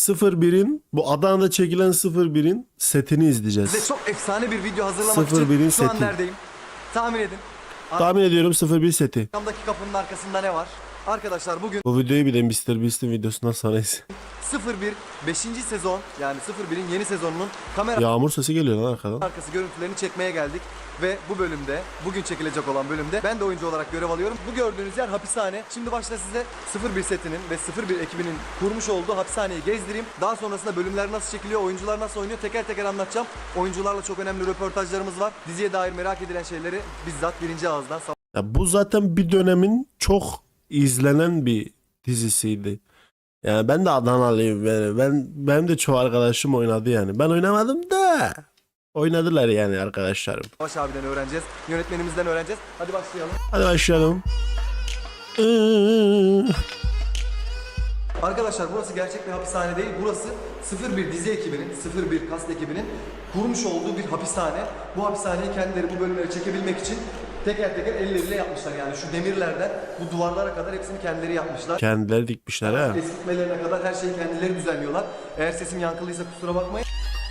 01'in bu Adana'da çekilen 01'in setini izleyeceğiz. Size çok efsane bir video hazırlamak 01'in için şu an seti. neredeyim? Tahmin edin. Tahmin ediyorum 01 seti. Arkamdaki kapının arkasında ne var? Arkadaşlar bugün Bu videoyu bir de Mr. Beast'in videosundan sonra izle. 01 5. sezon yani 01'in yeni sezonunun kamera Yağmur sesi geliyor lan arkadan. arkası görüntülerini çekmeye geldik. Ve bu bölümde, bugün çekilecek olan bölümde ben de oyuncu olarak görev alıyorum. Bu gördüğünüz yer hapishane. Şimdi başta size 01 setinin ve 01 ekibinin kurmuş olduğu hapishaneyi gezdireyim. Daha sonrasında bölümler nasıl çekiliyor, oyuncular nasıl oynuyor teker teker anlatacağım. Oyuncularla çok önemli röportajlarımız var. Diziye dair merak edilen şeyleri bizzat birinci ağızdan Ya bu zaten bir dönemin çok izlenen bir dizisiydi. Yani ben de Adanalıyım. Benim de çoğu arkadaşım oynadı yani. Ben oynamadım da oynadılar yani arkadaşlarım. Savaş abiden öğreneceğiz. Yönetmenimizden öğreneceğiz. Hadi başlayalım. Hadi başlayalım. Arkadaşlar burası gerçek bir hapishane değil. Burası 01 dizi ekibinin, 01 kast ekibinin kurmuş olduğu bir hapishane. Bu hapishaneyi kendileri bu bölümleri çekebilmek için teker teker elleriyle yapmışlar. Yani şu demirlerden bu duvarlara kadar hepsini kendileri yapmışlar. Kendileri dikmişler ha. Eskitmelerine kadar her şeyi kendileri düzenliyorlar. Eğer sesim yankılıysa kusura bakmayın.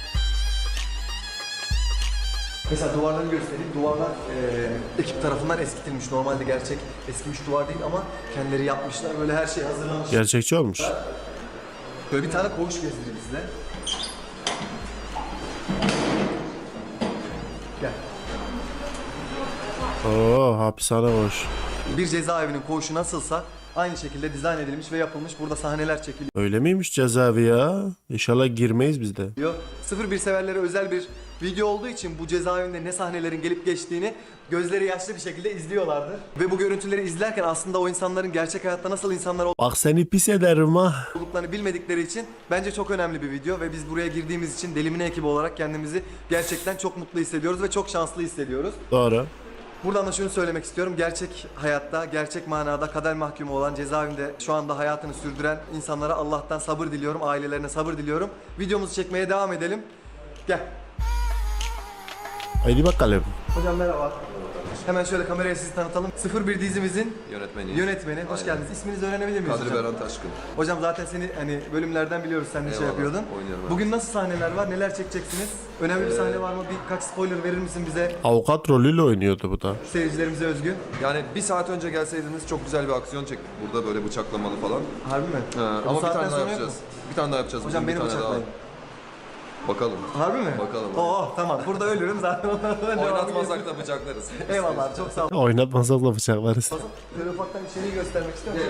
Mesela duvarları göstereyim. Duvarlar ekip tarafından eskitilmiş. Normalde gerçek eskimiş duvar değil ama kendileri yapmışlar. Böyle her şey hazırlanmış. Gerçekçi olmuş. Böyle bir tane koğuş gezdireyim size. Gel. Oo, hapishane boş. Bir cezaevinin koğuşu nasılsa aynı şekilde dizayn edilmiş ve yapılmış. Burada sahneler çekiliyor. Öyle miymiş cezaevi ya? İnşallah girmeyiz biz de. 01 severlere özel bir video olduğu için bu cezaevinde ne sahnelerin gelip geçtiğini gözleri yaşlı bir şekilde izliyorlardır. Ve bu görüntüleri izlerken aslında o insanların gerçek hayatta nasıl insanlar Bak seni pis ederim ha. olduklarını bilmedikleri için bence çok önemli bir video ve biz buraya girdiğimiz için Delimine ekibi olarak kendimizi gerçekten çok mutlu hissediyoruz ve çok şanslı hissediyoruz. Doğru. Buradan da şunu söylemek istiyorum. Gerçek hayatta, gerçek manada kader mahkumu olan cezaevinde şu anda hayatını sürdüren insanlara Allah'tan sabır diliyorum. Ailelerine sabır diliyorum. Videomuzu çekmeye devam edelim. Gel. Haydi bakalım. Hocam merhaba. Hemen şöyle kameraya sizi tanıtalım. 01 dizimizin yönetmeni. Hoş geldiniz. İsminizi öğrenebilir miyiz Kadri hocam? Beran Taşkın. Hocam zaten seni hani bölümlerden biliyoruz. Sen de şey Eyvallah, yapıyordun. oynuyorum ben. Bugün nasıl sahneler var? Neler çekeceksiniz? Önemli bir sahne var mı? Birkaç spoiler verir misin bize? Avukat rolüyle oynuyordu bu da. Seyircilerimize özgü. Yani bir saat önce gelseydiniz çok güzel bir aksiyon çektik burada böyle bıçaklamalı falan. Harbi mi? Ama bir saatten tane daha sonra yok yapacağız. mu? Bir tane daha yapacağız. Hocam bugün beni bir tane bıçaklayın. daha. Bakalım. Harbi mi? Bakalım. Oo tamam. Burada ölürüm zaten. Oynatmasak da bıçaklarız. Eyvallah. Çok sağ ol. Oynatmasak da bıçaklarız. Şöyle ufaktan içeriği göstermek istiyorum.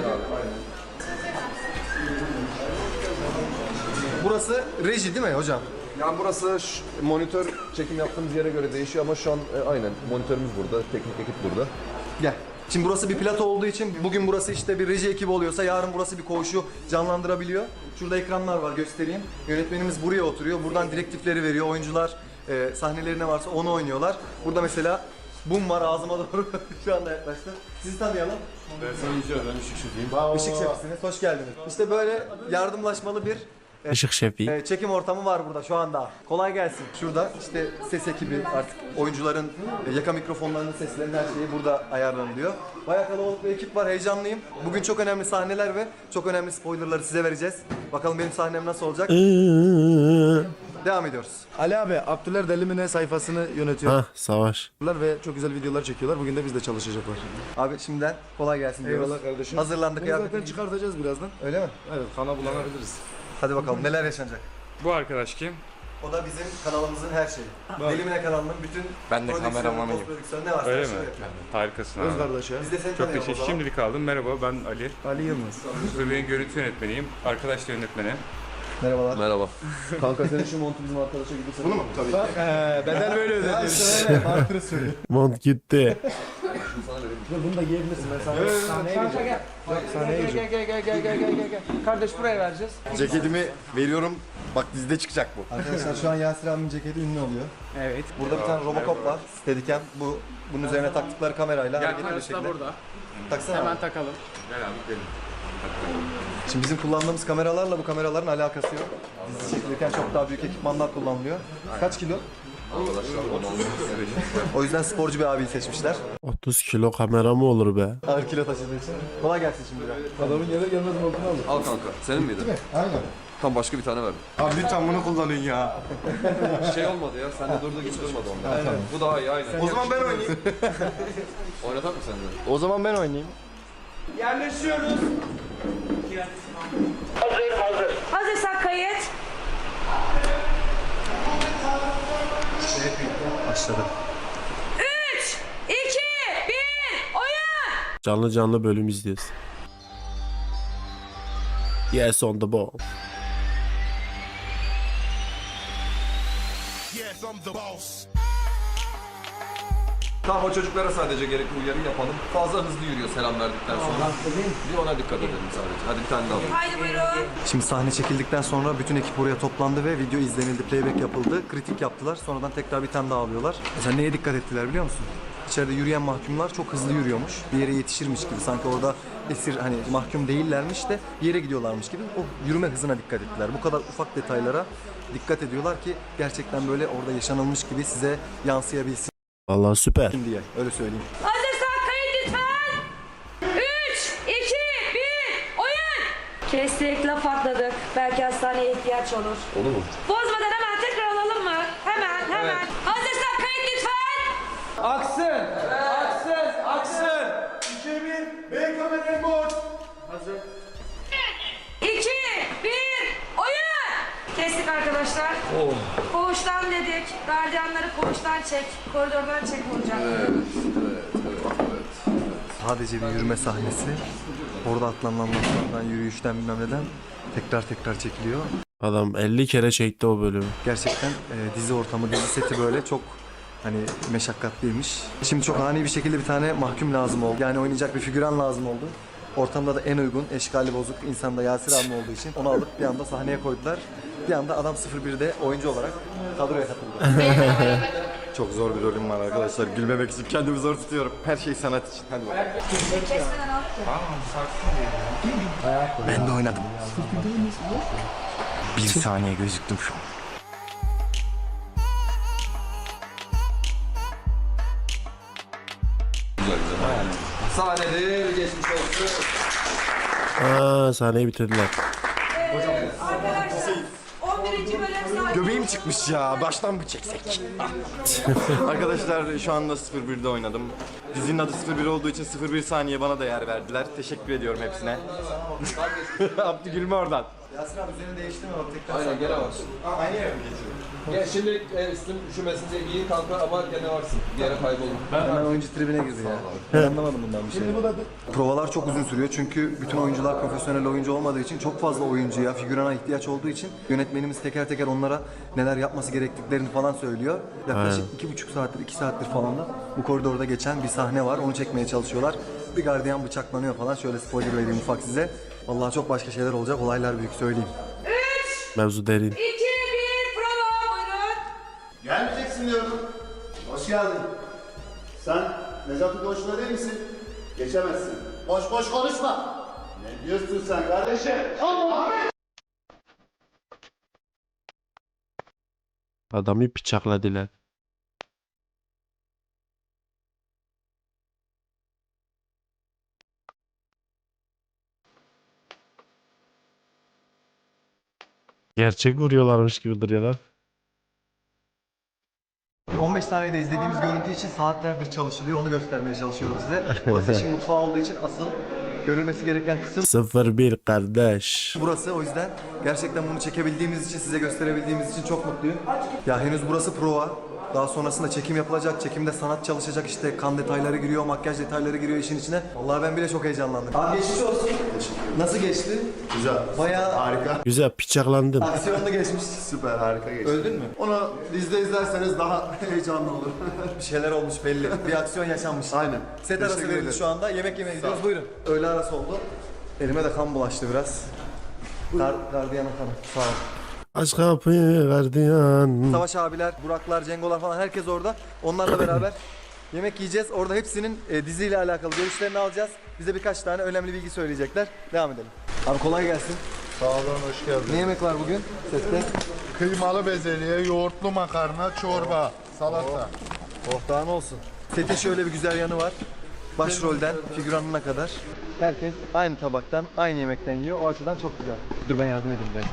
Burası reji değil mi hocam? Yani burası monitör çekim yaptığımız yere göre değişiyor ama şu an aynen monitörümüz burada, teknik ekip burada. Gel. Şimdi burası bir plato olduğu için bugün burası işte bir reji ekibi oluyorsa yarın burası bir koğuşu canlandırabiliyor. Şurada ekranlar var göstereyim. Yönetmenimiz buraya oturuyor. Buradan direktifleri veriyor. Oyuncular sahneleri ne varsa onu oynuyorlar. Burada mesela bum var ağzıma doğru şu anda yaklaştı. Sizi tanıyalım. Ben Işık Şefiyim. Işık şefisiniz. Hoş geldiniz. İşte böyle yardımlaşmalı bir Işık şefi. çekim ortamı var burada şu anda. Kolay gelsin. Şurada işte ses ekibi artık oyuncuların yaka mikrofonlarının seslerinin her şeyi burada ayarlanılıyor. Bayağı kalabalık bir ekip var. Heyecanlıyım. Bugün çok önemli sahneler ve çok önemli spoilerları size vereceğiz. Bakalım benim sahnem nasıl olacak. Devam ediyoruz. Ali abi, Abdüller Delimine sayfasını yönetiyorlar Hah savaş. ve çok güzel videolar çekiyorlar. Bugün de biz de çalışacaklar. Abi şimdiden kolay gelsin diyoruz. Eyvallah kardeşim. Hazırlandık Bunu ya. zaten çıkartacağız birazdan. Öyle mi? Evet, kana bulanabiliriz. Hadi bakalım neler yaşanacak. Bu arkadaş kim? O da bizim kanalımızın her şeyi. Delimine kanalının bütün Ben de prodüksiyonu, kameramanıyım. post-prodüksiyonu ne varsa Öyle her mi? şeyi yapıyor. Harikasın Öz abi. kardeş ya. Biz de seni Çok tanıyalım o teşekkür. zaman. Şimdilik aldım. Merhaba ben Ali. Ali Yılmaz. Sırrı'nın görüntü yönetmeniyim. Arkadaş da yönetmeni. Merhabalar. Merhaba. Kanka senin şu montu bizim arkadaşa gidiyorsa. Bunu mu? Tabii. Bedel böyle ödediyoruz. Mont gitti. Bunu da giyebilirsin. Ben sahneye gireceğim. Sahneye gireceğim. Gel. Kardeş buraya vereceğiz. Ceketimi veriyorum. Bak dizide çıkacak bu. Arkadaşlar şu an Yasir abinin ceketi ünlü oluyor. Evet. Burada bir tane Robocop var. Steadicam. Bunun üzerine taktıkları kamerayla Gel hareket ediyor kardeş da şekilde. burada. Taksana Hemen abi. takalım. Gel abi gidelim. Şimdi bizim kullandığımız kameralarla bu kameraların alakası yok. Dizi çekilirken çok daha büyük ekipmanlar kullanılıyor. Kaç kilo? Arkadaşlar onu O yüzden sporcu bir abiyi seçmişler. 30 kilo kamera mı olur be? Ağır kilo taşıdığı için. Kolay gelsin şimdi. Adamın yere gelmez montunu aldı. al kanka. Senin miydi? Aynen. Tam başka bir tane verdim. Abi lütfen bunu kullanın ya. Şey olmadı ya. Sen de durduğu gibi durmadı onda. Bu daha iyi aynen. O zaman ben oynayayım. Oynatak mı sen de? O zaman ben oynayayım. Hazırsak kayıt. Başladı. 3, 2, 1, oyun! Canlı canlı bölüm izliyoruz. Yes on the ball. Tamam o çocuklara sadece gerekli uyarı yapalım. Fazla hızlı yürüyor selam verdikten sonra. Bir ona dikkat edelim sadece. Hadi bir tane daha alalım. Haydi buyurun. Şimdi sahne çekildikten sonra bütün ekip oraya toplandı ve video izlenildi, playback yapıldı. Kritik yaptılar. Sonradan tekrar bir tane daha alıyorlar. Mesela neye dikkat ettiler biliyor musun? İçeride yürüyen mahkumlar çok hızlı yürüyormuş. Bir yere yetişirmiş gibi. Sanki orada esir hani mahkum değillermiş de bir yere gidiyorlarmış gibi. O yürüme hızına dikkat ettiler. Bu kadar ufak detaylara dikkat ediyorlar ki gerçekten böyle orada yaşanılmış gibi size yansıyabilsin Vallahi süper. diye. Öyle söyleyeyim. Hazırsak kayıt lütfen. 3, 2, 1, oyun! Kestik, laf atladık. Belki hastaneye ihtiyaç olur. Olur mu? Bozmadan hemen tekrar alalım mı? Hemen. Hazırsak kayıt lütfen. Aksın! Aksın! Aksın! 2, 1, oyun! Kestik arkadaşlar. Koğuştan dedik. Gardiyanları koğuştan çek. Koridordan çek olacak. Sadece bir yürüme sahnesi. Orada atlanılan laflardan, yürüyüşten bilmem neden tekrar çekiliyor. Adam 50 kere çekti o bölümü. Gerçekten dizi ortamı, dizi seti böyle çok hani meşakkatliymiş. Şimdi çok ani bir şekilde bir tane mahkum lazım oldu. Yani oynayacak bir figüran lazım oldu. Ortamda da en uygun, eşkali bozuk insan da Yasir abi olduğu için onu alıp bir anda sahneye koydular. Bir anda adam 01'de oyuncu olarak kadroya katıldı. Çok zor bir rolüm var arkadaşlar. Gülmemek için kendimi zor tutuyorum. Her şey sanat için. Hadi bakalım. Kesmeden al. Ben de oynadım. Bir saniye gözüktüm şu an. Güzel. Sahnedir geçmiş olsun. Sahneyi bitirdiler. Arkadaşlar 11. bölüm saat. Göbeğim çıkmış ya. Baştan mı çeksek? Arkadaşlar şu anda 01'de oynadım. Dizinin adı 01 olduğu için 01 saniye bana da yer verdiler. Teşekkür ediyorum hepsine. Abdü gülme oradan. Yasir abi üzerini değiştirme bak tekrar. Aynen gene varsın. Aynı yere mi geçiyorum? Gel şimdi üstün üşümesin diye giyin kanka ama gene varsın. Bir yere kaybolun. Hemen oyuncu tribine girdi ya. Ben anlamadım bundan bir şey. Provalar çok uzun sürüyor çünkü bütün oyuncular profesyonel oyuncu olmadığı için çok fazla oyuncuya, figürana ihtiyaç olduğu için yönetmenimiz teker teker onlara neler yapması gerektiklerini falan söylüyor. Yaklaşık 2,5 saattir, 2 saattir falan da bu koridorda geçen bir sahne var. Onu çekmeye çalışıyorlar. Bir gardiyan bıçaklanıyor falan. Şöyle spoiler vereyim ufak size. Vallahi çok başka şeyler olacak. Olaylar büyük söyleyeyim. Mevzu derin. 2, 1, prova buyurun. Gelmeyeceksin diyorum. Hoş geldin. Sen Necati Koç'la değil misin? Geçemezsin. Boş boş konuşma. Ne diyorsun sen kardeşim? Adamı bıçakladılar. Gerçek vuruyorlarmış gibi duruyorlar. 15 saniyede izlediğimiz görüntü için saatlerdir çalışılıyor. Onu göstermeye çalışıyorum size. Burası işin mutfağı olduğu için asıl görülmesi gereken kısım 01 kardeş. burası. O yüzden gerçekten bunu çekebildiğimiz için, size gösterebildiğimiz için çok mutluyum. Ya henüz burası prova. Daha sonrasında çekim yapılacak. Çekimde sanat çalışacak, işte kan detayları giriyor, makyaj detayları giriyor işin içine. Vallahi ben bile çok heyecanlandım. Abi geçmiş olsun. Nasıl geçti? Güzel. Bayağı Harika. Güzel bıçaklandın. aksiyonlu geçmiş. Süper harika geçti. Öldün mü? Onu dizide izlerseniz daha heyecanlı olur. Bir şeyler olmuş belli. Bir aksiyon yaşanmış. Aynen. Set arası Teşekkür verildi ederim. şu anda. Yemek yemeye gidiyoruz. Buyurun. Öğle arası oldu. Elime de kan bulaştı biraz. Gardiyana kanı. Sağ ol. Aç kapıyı gardiyan. Savaş abiler, Buraklar, Cengolar falan herkes orada. Onlarla beraber yemek yiyeceğiz. Orada hepsinin diziyle alakalı görüşlerini alacağız. Bize birkaç tane önemli bilgi söyleyecekler. Devam edelim. Abi kolay gelsin. Sağ olun, hoş geldin. Ne yemek var bugün sette? Kıymalı bezelye, yoğurtlu makarna, çorba. salata. Oh daha ne olsun. Setin şöyle bir güzel yanı var. Başrolden figüranına kadar herkes aynı tabaktan, aynı yemekten yiyor. O açıdan çok güzel. Dur ben yardım edeyim ben.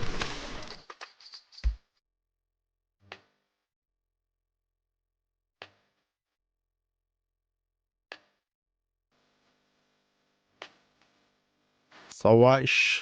Savaş.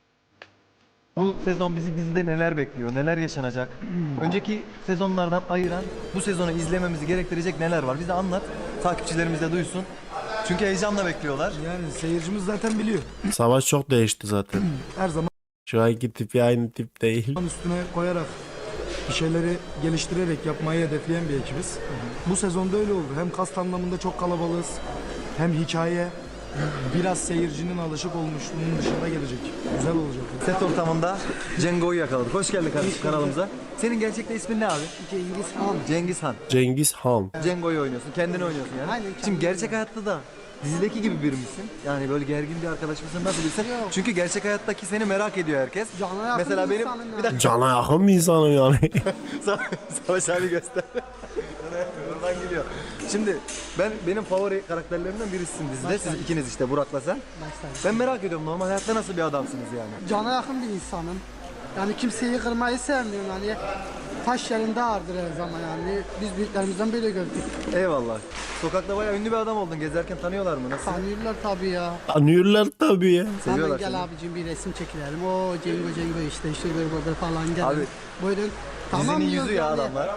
Bu sezon bizi dizide neler bekliyor, neler yaşanacak? Önceki sezonlardan ayıran, bu sezonu izlememizi gerektirecek neler var? Bize anlat, takipçilerimiz de duysun. Çünkü heyecanla bekliyorlar. Yani seyircimiz zaten biliyor. Savaş çok değişti zaten. Her zaman Şu anki tipi aynı tip değil. üstüne koyarak bir şeyleri geliştirerek yapmayı hedefleyen bir ekibiz. Bu sezonda öyle oldu. Hem kast anlamında çok kalabalığız. Hem hikaye biraz seyircinin alışık olmuşluğunun dışında gelecek. Güzel olacak. Set ortamında Cengo'yu yakaladık. Hoş geldin kardeşim kanalımıza. Senin gerçekte ismin ne abi? Cengiz Han. Cengiz Han. Cengiz Han. Cengo'yu oynuyorsun, kendini oynuyorsun yani. Aynen, Şimdi gerçek hayatta da dizideki gibi biri misin? Yani böyle gergin bir arkadaş mısın? Nasıl bilsen? Çünkü gerçek hayattaki seni merak ediyor herkes. Cana yakın Mesela bir benim insanım bir yani. dakika Cana yakın bir insanım yani. Savaş abi göster. Oradan geliyor. Şimdi benim favori karakterlerimden birisisin dizide. Siz ikiniz işte Burak'la sen. Ben merak ediyorum normal hayatta nasıl bir adamsınız yani? Cana yakın bir insanım. Yani kimseyi kırmayı sevmiyorum yani. Taş yerinde ağırdır her zaman yani. Biz büyüklerimizden böyle gördük. Eyvallah. Sokakta bayağı ünlü bir adam oldun. Gezerken tanıyorlar mı? Nasıl? Tanıyorlar tabii ya. Anıyorlar tabii ya. Hemen Seviyorlar gel seni. abicim bir resim çekilelim. O Cengo işte böyle falan gel. Abi, Buyurun. Dizinin diyoruz yüzü ya yani. adamlar.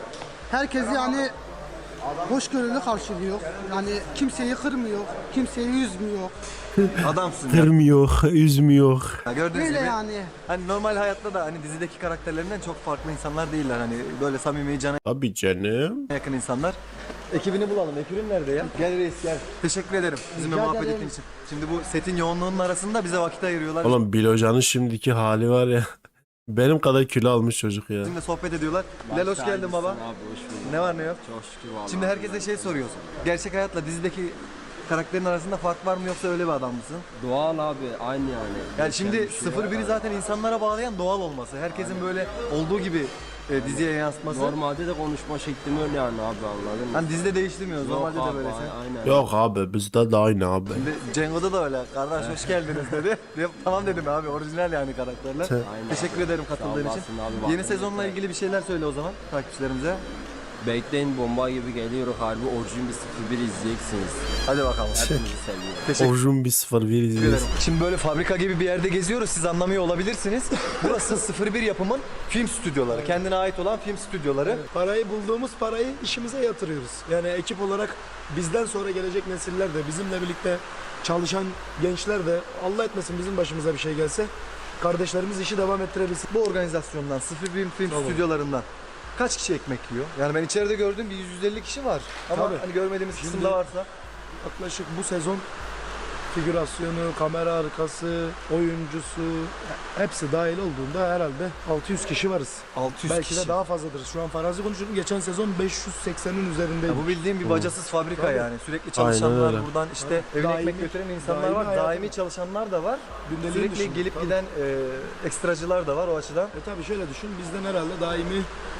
Herkesi yani hoşgörülü karşılıyor. Yani kimseyi kırmıyor, kimseyi üzmüyor. Adamsın ya. Kırmıyor, üzmüyor. Gördüğünüz Böyle gibi. yani. Hani normal hayatta da hani dizideki karakterlerinden çok farklı insanlar değiller. Hani böyle samimi, cana Tabii canım. yakın insanlar. Ekibini bulalım. Ekibin nerede ya? Gel reis gel. Teşekkür ederim bizimle Rica muhabbet ederim. ettiğin için. Şimdi bu setin yoğunluğunun arasında bize vakit ayırıyorlar. Oğlum Bilocan'ın şimdiki hali var ya. Benim kadar kilo almış çocuk ya. Bizimle sohbet ediyorlar. Bilal hoş geldin baba. Ne var ne yok? Çok şükür vallahi. Şimdi herkese şey soruyorsun. Gerçek hayatla dizideki karakterin arasında fark var mı yoksa öyle bir adam mısın? Doğal abi aynı yani. Yani şimdi 01'i zaten insanlara bağlayan doğal olması. Herkesin böyle olduğu gibi diziye yansıtması. Normalde de konuşma şeklim öyle yani abi anladın mı? Hani dizide değiştirmiyoruz. Normalde de böylesin. Aynen. Yok abi bizde de aynı abi. Şimdi Cengo'da da öyle. Kardeş hoş geldiniz dedi. Tamam dedim abi orijinal yani karakterler. Aynen. Teşekkür ederim katıldığın için. olasın abi, Yeni bak. sezonla ilgili bir şeyler söyle o zaman takipçilerimize. Bekleyin bomba gibi geliyor harbi orijin bir 01 izleyeceksiniz. Hadi bakalım. Hepinizi seviyorum. Teşekkür Orjun bir 01 izliyoruz. ederim. Şimdi böyle fabrika gibi bir yerde geziyoruz. Siz anlamıyor olabilirsiniz. Burası 01 yapımın film stüdyoları. Kendine ait olan film stüdyoları. Parayı bulduğumuz parayı işimize yatırıyoruz. Yani ekip olarak bizden sonra gelecek nesiller de bizimle birlikte çalışan gençler de Allah etmesin bizim başımıza bir şey gelse kardeşlerimiz işi devam ettirebilsin. Bu organizasyondan 01 film stüdyolarından kaç kişi ekmek yiyor? Yani ben içeride gördüğüm bir 150 kişi var. Ama Tabii. hani görmediğimiz Şimdi- kısımda varsa. Yaklaşık bu sezon figürasyonu, kamera arkası, oyuncusu hepsi dahil olduğunda herhalde 600 kişi varız. 600 Belki kişi. de daha fazladır. Şu an farazi konuşuyorum. Geçen sezon 580'in üzerindeydi. Ya bu bildiğim bir bacasız fabrika Tabii. yani. Sürekli çalışanlar öyle. buradan işte evine Daimi- ekmek götüren insanlar daimi var. hayatı- Daimi çalışanlar da var. Gündeliğin Sürekli dışında, gelip tabii. giden ekstracılar da var o açıdan. Tabii şöyle düşün. Bizden herhalde daimi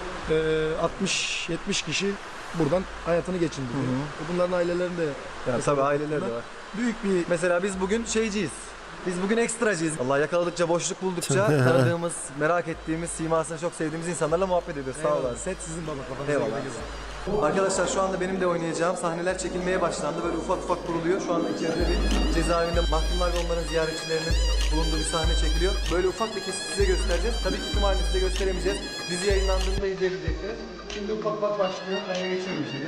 60-70 kişi buradan hayatını geçindiriyor. Bunların ailelerinde Yani tabii aileler de var. büyük bir Mesela biz bugün şeyciyiz. Biz bugün ekstracıyız. Allah yakaladıkça, boşluk buldukça tanıdığımız, merak ettiğimiz, simasını çok sevdiğimiz insanlarla muhabbet ediyoruz. Sağ olun. set sizin baba kafanıza Eyvallah. göre gezin. Arkadaşlar şu anda benim de oynayacağım sahneler çekilmeye başlandı. Böyle ufak ufak kuruluyor. Şu anda içeride bir cezaevinde mahkumlar ve onların ziyaretçilerinin bulunduğu bir sahne çekiliyor. Böyle ufak bir kesit size göstereceğiz. Tabii ki tüm halini size gösteremeyeceğiz. Dizi yayınlandığında izleyebileceksiniz. Şimdi ufak ufak başlıyor. Ben geçiyorum içeri.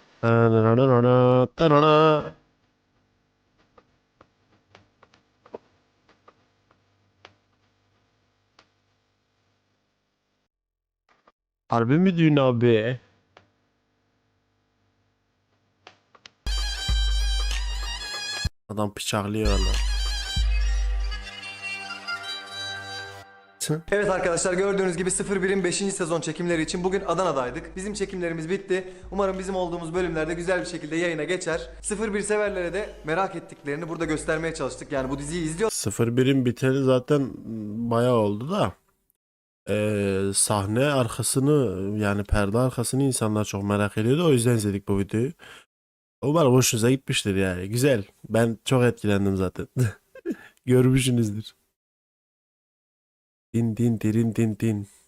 Harbi mi düğün abi? Adam bıçaklıyor lan. Evet arkadaşlar gördüğünüz gibi 01'in 5. sezon çekimleri için bugün Adana'daydık. Bizim çekimlerimiz bitti. Umarım bizim olduğumuz bölümlerde güzel bir şekilde yayına geçer. 01 severlere de merak ettiklerini burada göstermeye çalıştık. Yani bu diziyi izliyor 01'in biteli zaten bayağı oldu da. sahne arkasını yani perde arkasını insanlar çok merak ediyordu. O yüzden izledik bu videoyu. Umarım hoşunuza gitmiştir yani. Güzel. Ben çok etkilendim zaten. Görmüşsünüzdür. Din din dirin din din.